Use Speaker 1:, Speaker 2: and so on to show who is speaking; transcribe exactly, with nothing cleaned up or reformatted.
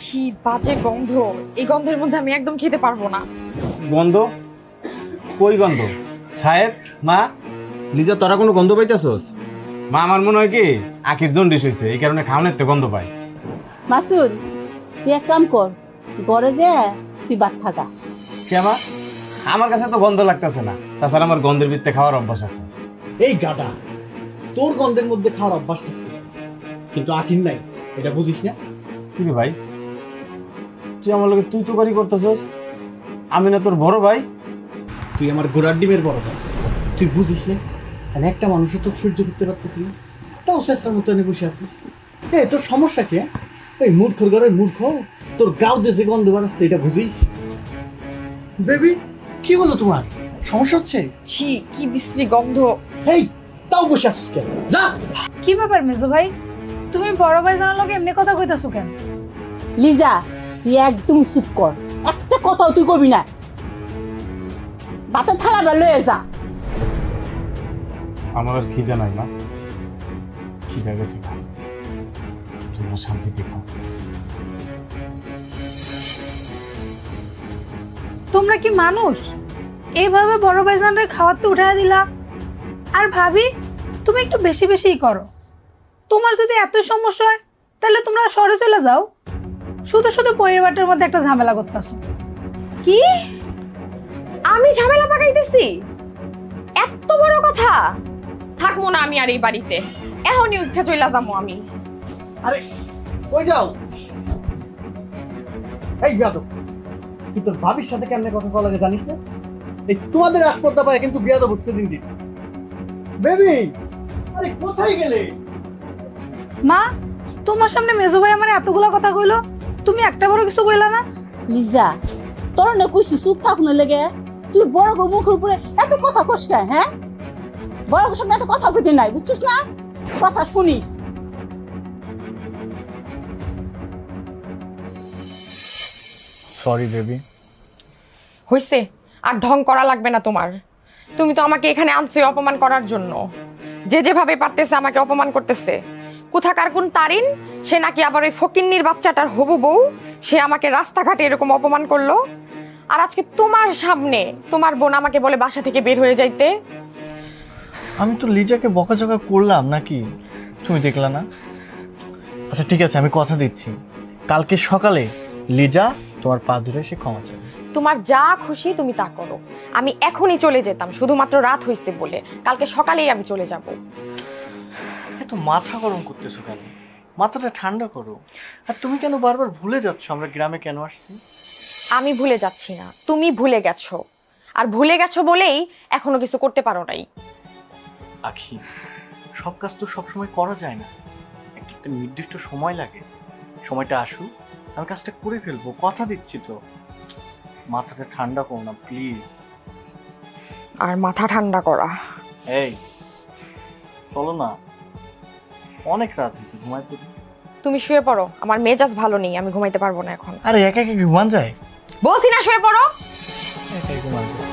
Speaker 1: কি বাজে গন্ধ, এই গন্ধের মধ্যে আমি একদম খেতে পারবো না।
Speaker 2: গন্ধ? কই গন্ধ? সাহেব, মা, লিজা, তোরা কোনো গন্ধ পাইতেছস? মা, আমার মনে হয় কি আখির জন্ডিস হয়েছে, এই কারণে খাওয়ানোর তো গন্ধ পায়।
Speaker 3: মাসুদ, তুই এক কাম কর, ঘরে যে তুই ভাত খাগা।
Speaker 2: কে মা? আমার কাছে তো গন্ধ লাগতেছে না, তাছাড়া আমার গন্ধের ভিত্তে খাওয়ার অভ্যাস আছে।
Speaker 4: এই গাদা, তোর গন্ধের মধ্যে খাওয়ার অভ্যাস থাকতো কিন্তু আখির নাই, এটা বুঝিস না?
Speaker 2: কি রে ভাই, তুই আমার লোকে তুই তো বাড়ি করতেছস? আমি না তোর বড় ভাই?
Speaker 4: তুই আমার গোড়ার ডিমের বড় ভাই, তুই বুঝিস না? আর একটা মানুষও তো সহ্য করতে পারতেছি না, তাও শেষের মতো এনে বসে আছিস। এই তোর সমস্যা কি? হ্যাঁ? এই মূর্খর ঘরের মূর্খ, তোর গাও দেশে গন্ধ বাড়াচ্ছে, এটা বুঝিস? বেবি, কি হলো তোমার? সমস্যা হচ্ছে?
Speaker 1: ছি, কি বিশ্রী গন্ধ।
Speaker 4: এই, তাও বসে আছিস কেন? যা।
Speaker 5: কি ব্যাপার মেজো ভাই, তুমি বড় ভাই জানার লোক এমনি কথা কইতাছো কেন?
Speaker 3: লিজা, তুই একদম চুপ কর, একটা কথাও তুই কবি না। ভাতের থালাটা লয়ে যা।
Speaker 2: আমার আর খিদে নাই মা, খিদে গেছে না, তোমরা শান্তিতে খাও।
Speaker 5: তোমরা কি মানুষ? এইভাবে বড় ভাই জানরে খাওয়াতে উঠায় দিলা। আর ভাবি, তুমি একটু বেশি বেশিই করো। তোমার যদি এত সমস্যা হয় তাহলে তোমরা শহরে চলে যাও। শুধু শুধু পরিবারটার মধ্যে একটা ঝামেলা করতেছো।
Speaker 1: কি? আমি ঝামেলা পাকাইতেছি? এত বড় কথা? থাকবো না আমি আর এই বাড়িতে, এখনই উঠে চলে যাবো আমি।
Speaker 4: আরে কই যাও? এই বিয়াদব, তুই তোর ভাবির সাথে কেমনে কথা বলা লাগে জানিস না? এই তোমাদের আসপদ্দা পায় কিন্তু বিয়াদব হচ্ছে দিন দিন। বেবি, আরে কোথায় গেলে?
Speaker 5: মা, তোমার সামনে মেজো ভাই আমার এতগুলো কথা কইলো, তুমি একটা বড় কিছু কইলা না?
Speaker 3: লিজা, তোর না কইছি চুপ থাক না লেগে, তুই বড় গো মুখের উপরে এত কথা কস কেন? হ্যাঁ, বড় গোর সামনে এত কথা কইতে নাই, বুঝছিস না? কথা শুনিস।
Speaker 4: Sorry baby.
Speaker 1: হইছে, আর ঢং করা লাগবে না তোমার। তুমি তো আমাকে এখানে আনছোই অপমান করার জন্য। যে যেভাবে পারতেছে আমাকে অপমান করতেছে। কোথাকার কোন তারিন, সে নাকি আবার ওই ফকিন্নির বাচ্চাটার হবু বউ, সে আমাকে রাস্তাঘাটে এরকম অপমান করলো। আর আজকে তোমার সামনে তোমার বোন আমাকে বলে বাসা থেকে বের হয়ে যাইতে।
Speaker 6: আমি তো লিজাকে বকাঝকা করলাম নাকি, তুমি দেখলা না? আচ্ছা ঠিক আছে, আমি কথা দিচ্ছি, কালকে সকালে লিজা তোমার পা ধরে সে ক্ষমা চাইবে।
Speaker 1: তোমার যা খুশি তুমি তা করো, আমি এখনই চলে যেতাম, শুধুমাত্র রাত হইছে বলে। কালকে সকালেই আমি চলে যাব।
Speaker 6: এত মাথা গরম করতেছো কেন? মাথাটা ঠান্ডা করো। আর তুমি কেন বারবার ভুলে যাচ্ছ আমরা গ্রামে কেন আসছি?
Speaker 1: আমি ভুলে যাচ্ছি না, তুমি ভুলে গেছো। আর ভুলে গেছো বলেই এখনো কিছু করতে পারো নাই।
Speaker 6: আখি, সব কাজ তো সবসময় করা যায় না, একটা একটা নির্দিষ্ট সময় লাগে। সময়টা আসুক, আমি কাজটা করে ফেলবো, কথা দিচ্ছি তো। মাথাটা ঠান্ডা করো না প্লিজ।
Speaker 1: আর মাথা ঠান্ডা করা?
Speaker 6: এই চলো না, অনেক রাত হয়েছে, ঘুমাই পড়ি।
Speaker 1: তুমি শুয়ে পড়ো, আমার মেজাজ ভালো নেই, আমি ঘুমাইতে পারবো না এখন।
Speaker 6: আরে একা একা ঘুমান যায়?
Speaker 1: বলছি না শুয়ে পড়ো।
Speaker 6: একাই ঘুমান যায়।